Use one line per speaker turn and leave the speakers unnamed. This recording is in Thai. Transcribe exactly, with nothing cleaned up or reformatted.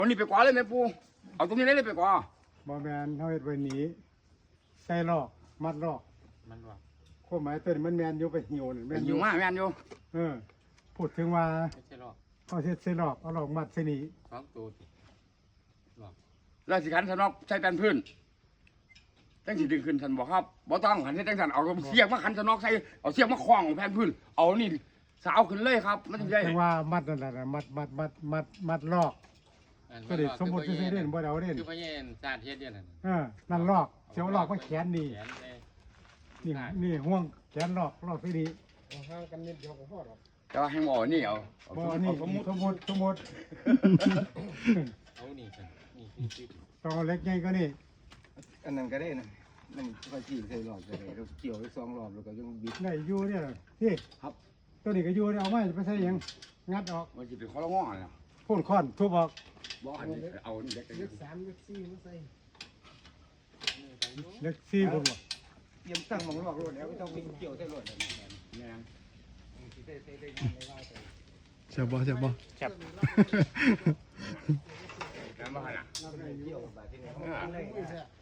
ตรงนี้ไปกว่าเลยแม่ปูเอาตรงนี้เลยไปกว่า
บ่แมนเขาเฮ็ดไว้หนีใส่ลอกมัดลอก
มันว่า
ข้อหมายเต้นมันแมนอยู่ไปหิวนี่
ไป
แม่น
อยู่มาแม่นอยู่
เออพูดถึงว่า
ไม่ใช่หรอก
เขาเฮ็ดใส่ลอกเอาลอกมัดใส่หนี
สองตัวสิหรอก
แล้วสิขันสนอกใช้แป้นพื้นจังสิดึงขึ้นทันบอกครับบ่ต้องหันให้จังสันเอาเสียกมาขันสนอกใส่เอาเสียกมาคล้องแผ่นพื้นเอานี่สาวขึ้นเลยครับมันถึงได้
ถึงว่ามัดนั่นแหละมัดมัดมัดมัดมัดลอกก็ได้สมมุติซื่อๆเด่นบ่ได้เอาเด่น
คือพระเย็นชาติเฮ็ดเดียวนั่น
เออนั่นลอกเสียวลอกมาแขนนี่
แขนเลย
นี่นี่ห่วงแขนลอกลอกใส่หนีห่างกันนิดเดียวก็พอหรอก
แต่ว่าให้หมอนี่เอาเอา
บ่
ส
นี่
มมุติ
สมมุติสมมุติ
เอานี่กันนี่นี่นี่
ต้องเอาเล็กใหญ่ก็นี่
อันนั้นก็ได้นะมันไฟจีใส่หลอดก็ได้เราเกี่ยวไปสองหลอดแล้วก็ยังบิด
ได้อยู่เนี่ยที่
ครับ
ตัวนี้ก็อยู่เนี่ยเอาไว้ไปใส่หยังงัดออก
มันสิเป็นข้อละง้อนะ
พ่นค้อนทุบออก
บ่อันนี้เอานี่เด็ก
เล็กสามเล็กสี่มาใส่เล็กสี่คนบ่
เตรียมตั้งหมองหลอกรถแล้วไม่ต้องไปเกี่ยวใส่หลอด
แม่ง
เจ็บบ่เจ็บบ่
แซ่บ
แม่งบ่หั่นน่ะ
เกี่ยวแบบที่นี่
เออ